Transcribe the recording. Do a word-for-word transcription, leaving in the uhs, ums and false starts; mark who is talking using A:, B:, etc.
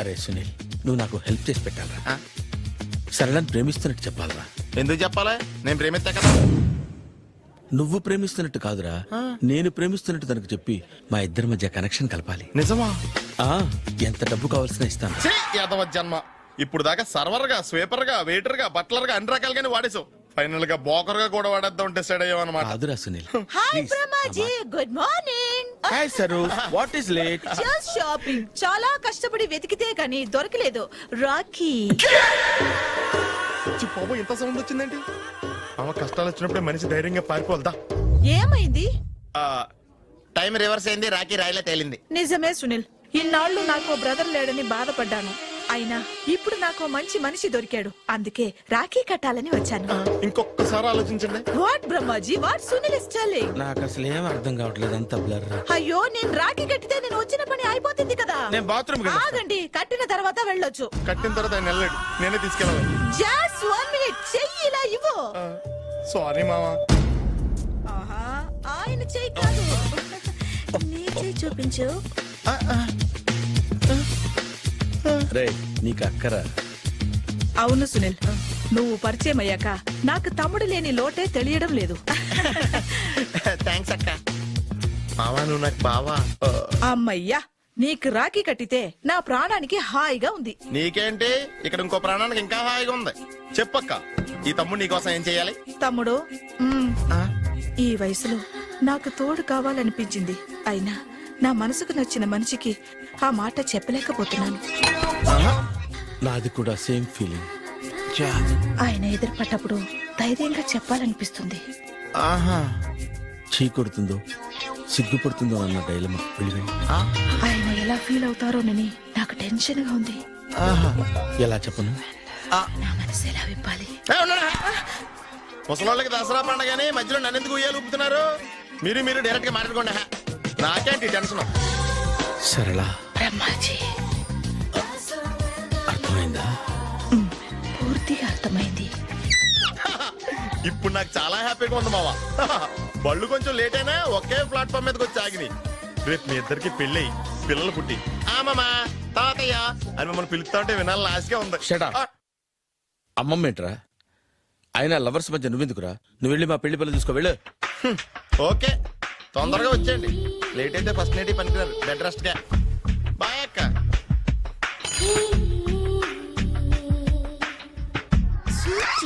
A: అరే సునీల్, నువ్వు నాకు హెల్ప్ చేసి పెట్టాలరా. సరళని ప్రేమిస్తున్నట్టు చెప్పాలరా.
B: ఎందుకు చెప్పాలా? నేను ప్రేమిస్తా కదా.
A: నువ్వు ప్రేమిస్తున్నట్టు కాదురా, నేను ప్రేమిస్తున్నట్టు తనకు చెప్పి మా ఇద్దరి మధ్య కనెక్షన్ కలపాలి.
B: నిజమా?
A: ఆ ఎంత డబ్బు కావాల్సిన ఇస్తాను.
B: ఛీ, యాదవ జన్మ. ఇప్పుడు దాకా సర్వర్ గా, స్వీపర్ గా, వెయిటర్ గా, బట్లర్ గా అన్ని రకాలుగానే వాడేసావు. ఫైనల్ గా బోకర్ గా కూడా వాడేద్దాం డిసైడ్ అయ్యామన్నమాట.
A: కాదురా Sunil.
C: Hi Brahmaji, good morning.
A: Hi sir, what is late?
C: Just shopping. చాలా కష్టపడి వెతికితే గానీ దొరకలేదు. రాఖీ.
B: ఛీ, బాబు ఇంత సౌండ్ వచ్చిందేంటి? ఆమె కష్టాలు వచ్చినప్పుడే మనిషి ధైర్యంగా పారిపోల్దా.
C: ఏమైంది?
B: టైం రివర్స్ అయింది, రాఖీ రాయిలా తేలింది.
C: నిజమే సునీల్, ఇన్నాళ్ళు నాకు బ్రదర్ లేడని బాధపడ్డాను. అయినా ఇప్పుడు నాకు మంచి మనిషి దొరికాడు. అందుకే రాఖీ కట్టాలని వచ్చాను.
B: ఇంకొకసారి ఆలోచించండి.
C: What Brahmaji, what Sunil is telling?
A: నాకు అసలు ఏం అర్థం కావట్లేదు, అంత బ్లర్.
C: అయ్యో, నేను రాఖీ కట్టితే నేను వచ్చిన పని అయిపోతుంది కదా.
A: నేను బాత్రూమ్
C: ఆగండి, కట్టిన తర్వాత వెళ్ళొచ్చు.
B: కట్టిన తర్వాత ఆయన వెళ్ళాడు, నేనే తీసుకెళ్ళాలి.
C: జస్ట్ వన్ మినిట్, చెయ్యి ఇలా ఇవ్వు.
B: సారీ మామా.
C: ఆహా, ఆయన చెయ్యి కాదు, నీ చెయ్యి చూపించు.
A: రే, నీకు అక్కరా?
C: అవును సునీల్, నువ్వు పరిచయం అయ్యాక నాకు తమ్ముడు లేని లోటే తెలియడం లేదు.
B: థ్యాంక్స్ అక్క. మావా, నువ్వు నాకు బావా.
C: అమ్మయ్యా, నీకు రాఖీ కట్టితే నా ప్రాణానికి హాయిగా ఉంది.
B: నీకేంటి, ఇక్కడ ఇంకో ప్రాణానికి ఇంకా హాయిగా ఉంది. చెప్పక్క, ఈ తమ్ముడు నీకోసం ఏం చెయ్యాలి?
C: తమ్ముడు, మ్మ్, ఈ వయసులో నాకు తోడు కావాలనిపించింది. అయినా నా మనసుకు నచ్చిన మనిషికి ఆ మాట చెప్పలేకపోతున్నాను.
A: నాది కూడా సేమ్ ఫీలింగ్.
C: ఆయన ఎదురుపడ్డప్పుడు ధైర్యంగా చెప్పాలనిపిస్తుంది.
B: ఆహా,
A: చీ కొడుతుందో సిగ్గుపడుతుందో అన్న డైలమా.
C: ఆయన ఎలా ఫీల్ అవుతారోనని నాకు టెన్షన్ గా ఉంది.
A: ఎలా చెప్పను?
C: నా మనసు ఎలా విప్పాలి?
B: ముసలోళ్ళకి దసరా పండగని మధ్యలో నన్ను ఎందుకు ఉయ్యాలు ఊపుతున్నారు? మీరు మీరు డైరెక్ట్ గా మాట్లాడుకోండి. నాకేంటి టెన్షన్?
A: సరళ,
C: బ్రహ్మాజీ,
A: అర్థమైందా?
C: పూర్తిగా అర్థమైంది.
B: ఇప్పుడు నాకు చాలా హ్యాపీగా ఉంది మావా. బళ్ళు కొంచెం లేట్ అయినా ఒకే ప్లాట్ఫామ్ మీదకి వచ్చి ఆగినాయి. రేపు మీ ఇద్దరికి పెళ్ళి పిల్లలు పుట్టి ఆమమ్మా తాతయ్య అని మమ్మల్ని పిలుస్తా ఉంటే వినాలని ఆశగా ఉంది.
A: Shut up. అమ్మమ్మ ఏంట్రా? ఆయన లవర్స్ మధ్య నువ్వెందుకురా? నువ్వు వెళ్ళి మా పెళ్లి పిల్లలు చూసుకో, వెళ్ళు.
B: ఓకే, తొందరగా వచ్చేయండి. లేట్ అయితే ఫస్ట్ నైట్ పనికిరారు, బెడ్ రెస్ట్ గా.